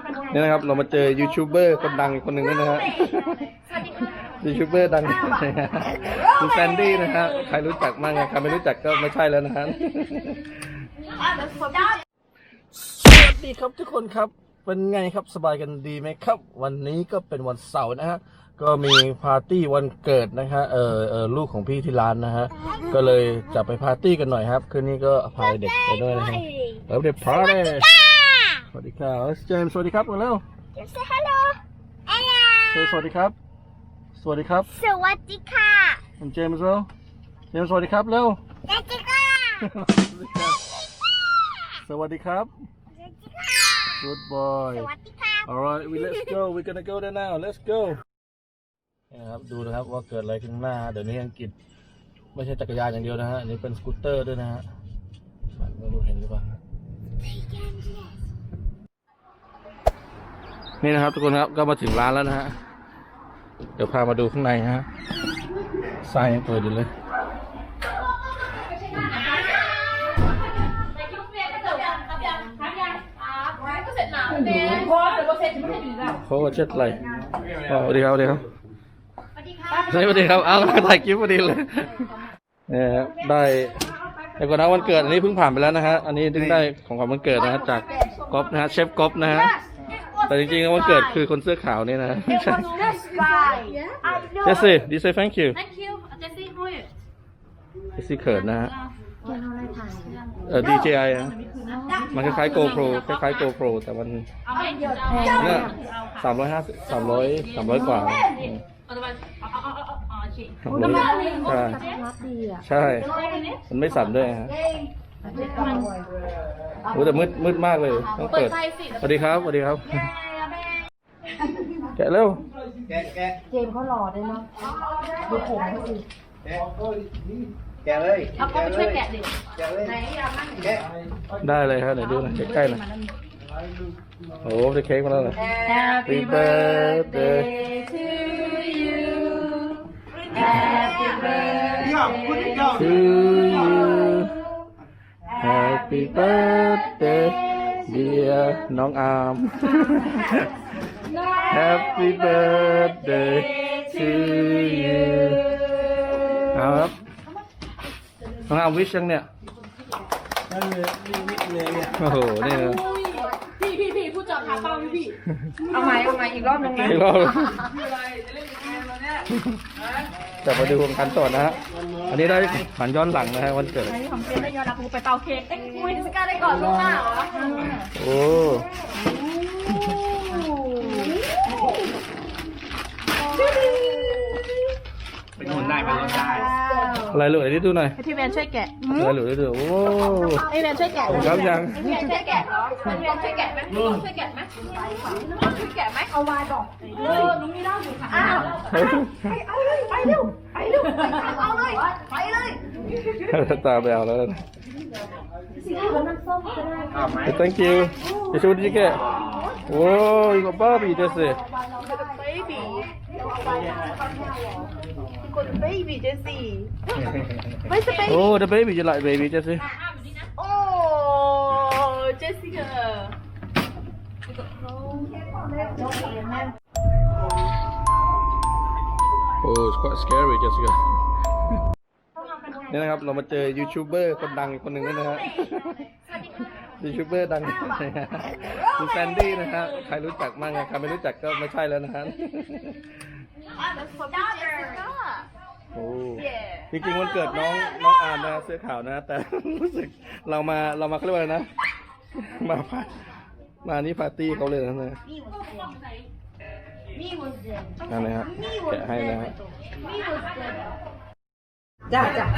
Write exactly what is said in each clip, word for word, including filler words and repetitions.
นี่นะครับเรามาเจอยูทูบเบอร์คนดังอีกคนหนึ่งด้วยนะฮะยูทูบเบอร์ดังคุณแซนดี้นะฮะใครรู้จักบ้างใครไม่รู้จักก็ไม่ใช่แล้วนะฮะสวัสดีครับทุกคนครับเป็นไงครับสบายกันดีไหมครับวันนี้ก็เป็นวันเสาร์นะฮะก็มีปาร์ตี้วันเกิดนะฮะเออเออลูกของพี่ที่ร้านนะฮะก็เลยจะไปปาร์ตี้กันหน่อยครับคืนนี้ก็พาเด็กไปด้วยนะฮะแล้วเด็กพาร์ตี้สวัสดีครับเจมส์สวัสดีครับมาเร็ว Say hello สวัสดีครับสวัสดีครับสวัสดีค่ะผมเจมส์เร็วเจมส์สวัสดีครับเร็วสวัสดีค่ะสวัสดีครับสวัสดีค่ะ Good boy สวัสดีค่ะ Alright we let's go we're gonna go there now let's go นะครับดูนะครับว่าเกิดอะไรขึ้นหน้าเดี๋ยวนี้อังกฤษไม่ใช่จักรยานอย่างเดียวนะฮะนี่เป็นสกูตเตอร์ด้วยนะฮะไม่รู้เห็นหรือเปล่านี่นะครับทุกคนครับก็มาถึงร้านแล้วนะฮะเดี๋ยวพามาดูข้างในฮะทรายยังเปิดอยู่เลยโค้ชเช็ดอะไรสวัสดีครับสวัสดีครับสวัสดีครับเอาถ่ายคลิปพอดีเลยเนี่ยได้แต่ก่อนนะวันเกิดอันนี้เพิ่งผ่านไปแล้วนะฮะอันนี้ดึงได้ของขวัญวันเกิดนะฮะจากก๊อฟนะฮะเชฟก๊อฟนะฮะแต่จริงๆวันเกิดคือคนเสื้อขาวนี่นะเจสซี่ดีเซย์ thank you Thank you เจสซี่พูดเจสซี่เขินนะฮะเออ ดี เจ ไอ นะมันคล้ายๆ GoPro คล้ายๆ GoPro แต่มันเนี่ยสามร้อยห้าสิบสามร้อยสามร้อยกว่าใช่ใช่มันไม่สั่นด้วยฮะโอ้แต่มืดมืดมากเลยต้องเปิดสวัสดีครับสวัสดีครับแกะเร็วแกะแกะเจมเขาหล่อเลยเนาะดูผมเขาสิแกะแกะเลยเอาก็ไปช่วยแกะดิแกะเลยแกะได้เลยครับเดี๋ยวดูนะใกล้ๆหน่อยโอ้ได้เค้กมาแล้วเหรอ Happy birthday to you Happy birthday to you Happy birthday dear น้องอาร์ม Happy birthday to you เอาครับน้องอาร์มวิชยังเนี่ยโอ้โหนี่นะพี่พี่พี่พูดจอดขาเป้าพี่พี่เอาใหม่เอาใหม่อีกรอบนึงนะอีกรอบจะมาดูวงการต่อนะฮะอันนี้ได้ผ่านย้อนหลังนะฮะวันเกิดไอ้ของเจนได้ยอดรักกูไปเป่าเค้กเอ้ยกูสก้าได้ก่อนลูกหน้าเหรอโอ้เป็นคนได้เป็นคนได้อะไรเหลือที่ดูหน่อยให้พี่แมนช่วยแกะอะไรเหลือที่ดูโอ้ให้พี่แมนช่วยแกะครับยังพี่แมนช่วยแกะเหรอพี่แมนช่วยแกะไหมช่วยแกะไหมช่วยแกะไหมเอาวายบอกเออลุงนี่เล่าอยู่ค่ะอ้าวไปเอาเลยไปเร็วไปเร็วไปเอาเลยไปเลยตาไปเอาแล้วนะเอาไหม thank you จะชูดิแกโอ้ยก็บ้าบีจะสิ baby con baby Jessie ไม่ใช่ baby โอ้ the baby จะไล่ baby จะสิโอ้ Jessica โอ้ it's quite scary Jessica นี่นะครับเรามาเจอยูทูบเบอร์คนดังอีกคนหนึ่งด้วยนะฮะยูทูบเบอร์ดังคุณแซนดี้นะฮะใครรู้จักบ้างใครไม่รู้จักก็ไม่ใช่แล้วนะฮะโอ้จริงๆวันเกิดน้องน้องอาร์มนะเสื้อขาวนะแต่รู้สึกเรามาเรามาเขาเรียกว่าอะไรนะมามานี่ปาร์ตี้เขาเลยนะเนี่ยนั่นเลยฮะแกะให้นะฮะจ้าจ้า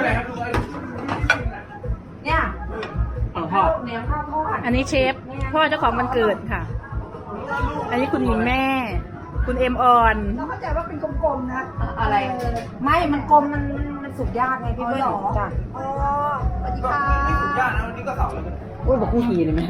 เนี่ยข้าวเหนียวข้าวทอดอันนี้เชฟพ่อเจ้าของวันเกิดค่ะ อันนี้คุณหญิงแม่ คุณเอ็มออนเราเข้าใจว่าเป็นกลมๆนะอะไรไม่มันกลมมันมันสุกยากไงพี่เบิ้ลจ้ะอ๋อสวัสดีค่ะนี่สุดยอดนะวันนี้ก็เสาร์แล้วโอ้ยบอกคู่หีเลยไหม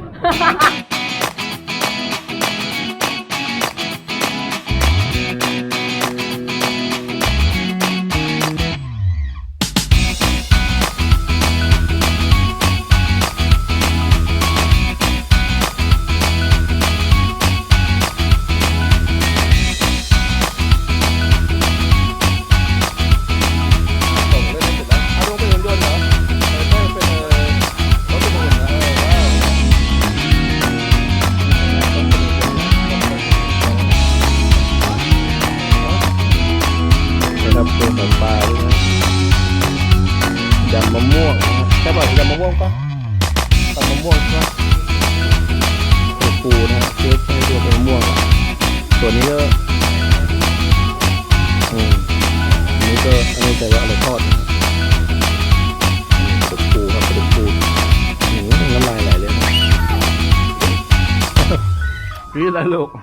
วงปะตัดมะม่วงใช่ไหมตัวปูนะเค้กให้ตัวเป็นมะม่วงอ่ะตัวนี้ก็อืมอันนี้ก็อันนี้ใจว่าอะไรทอดนะตัวปูครับตัวปูหืมน้ำลายไหลเลยนะนี่อะไรลูก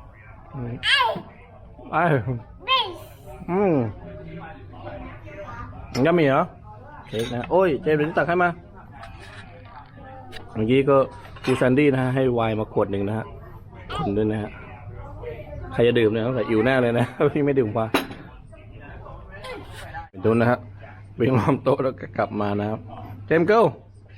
ไอ้อืมยังมีเหรอเค้กนะโอ้ยเจมส์เดี๋ยวนี้ตักให้มาเมื่อกี้ก็ครูแซนดี้นะฮะให้ไวน์มาขวดหนึ่งนะฮะคนด้วยนะฮะใครจะดื่มเนี่ยต้องใส่อิวแน่เลยนะพี่ไม่ดื่มกว่าดูนะฮะวิ่งล้อมโต๊ะแล้วก็กลับมานะครับเจมส์เกิล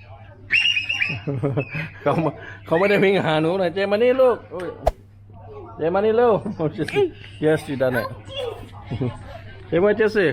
เขาเขาไม่ได้วิ่งหาหนูนะเจมส์มานี่ลูกเจมส์มานี่เร็ว yes you done it เจมส์มาเจสซี่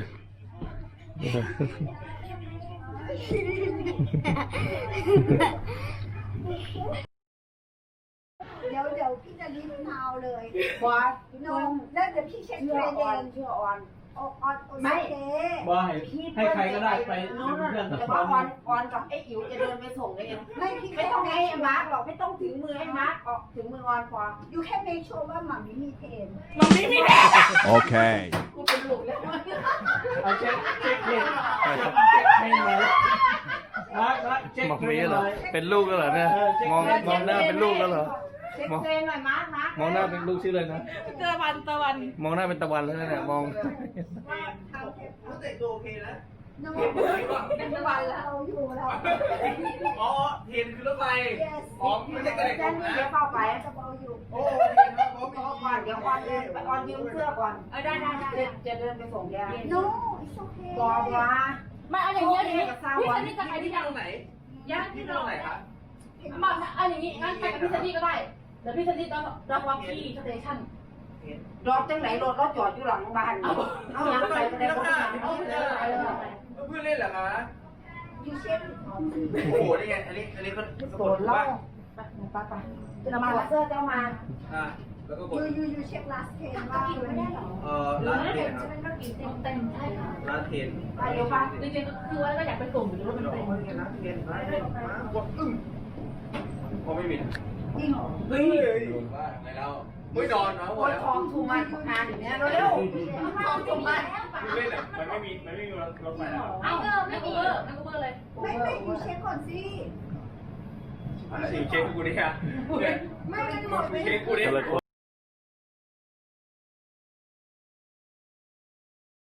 เดี๋ยวเดี๋ยวพี่จะรีบเท้าเลยบอสนมแล้วเดี๋ยวพี่เช็คเชื่เทอรนออนเองเชื่อออนออนออนโอไม่เคว่าให้ให้ใครก็ได้ไปน้องเป็นเพื่อนกับแต่คว่าน ออนออนกับไอ้อิ๋วจะเดินไปส่งได้ยังไม่พี่ไม่ต้องให้มาร์กหรอกไม่ต้องถึงมือให้มาร์กออกถึงมือออนพอยูแค่เมคชัวร์ว่าหมามีมีเทรนมันไม่มีแม่ Okay. กูเป็นลูกแล้วเอาเช็คเช็คเช็คเช็คให้หน่อยมามาเช็คมองมีเหรอเป็นลูกแล้วเหรอเนี่ยมองมองหน้าเป็นลูกแล้วเหรอเช็คเทรนหน่อยมาร์กมาร์กมองหน้าเป็นลูกชื่ออะไรนะตะวันตะวันมองหน้าเป็นตะวันแล้วเนี่ยมองรู้สึกโอเคนะนมเป็นตะวันแล้วเราอยู่แล้วอ๋อเทียนคือรถไฟอ๋อไม่ใช่กระเด็นแจ้งนี่เดี๋ยวเข้าไปจะเบาอยู่โอ้เทียนครับผมรอก่อนเดี๋ยวออนเดินไปออนยืมเสื้อก่อนเออได้ได้ได้จะเดินไปส่งแกโน้ it's okay บอกว่าไม่เอาอย่างนี้เอาอย่างนี้กับซาพี่วัซันนนี่จะไปที่ที่ไหนตรงไหนย่างที่ที่ตรเรางไหนครับมาเอาอย่างนี้งั้นไปกับพี่ซันนี่ก็ได้เดี๋ยวพี่ซันนี่ต้องรับรับที่สเตชันรถจังไหนรถรถจอดอยู่หลังบ้านเอาเอายังไปก็ได้ก็ได้เอาไปเลยไปเลยเพื่อนเล่นเหรอคะยูเช็คโอ้โหนี่ไงอันนี้อันนี้ก็โดนเล่าไปไปไปจะมาเสื้อเจ้ามาอ่าแล้วก็กยูดยูยูเช็คลาสเทนว่าไม่ได้หรอเอ่อร้านเทียนครับจะเป็นว่ากี่เต็มเต็มใช่ค่ะร้านเทียนไปเดี๋ยวไปจริงๆคือว่าก็อยากไปส่งอยู่แล้วมันเต็มร้านเทียนร้านเทียนมากดอึ้งพอไม่มีจริงเหรอเฮ้ยว่าไงเราไม่นอนเนาะโอยทองทูมันงานอย่างเนี้ยเร็วทองจุ่มมาเล่นอ่ะมันไม่มีมันไม่มีรถรถไฟแล้วเอาเออไม่กูเบอร์ไม่กูเบอร์เลยไม่ไม่ยูเช็คก่อนสิสิเช็คกูดิค่ะไม่ไม่หมดไม่เช็คกูดิ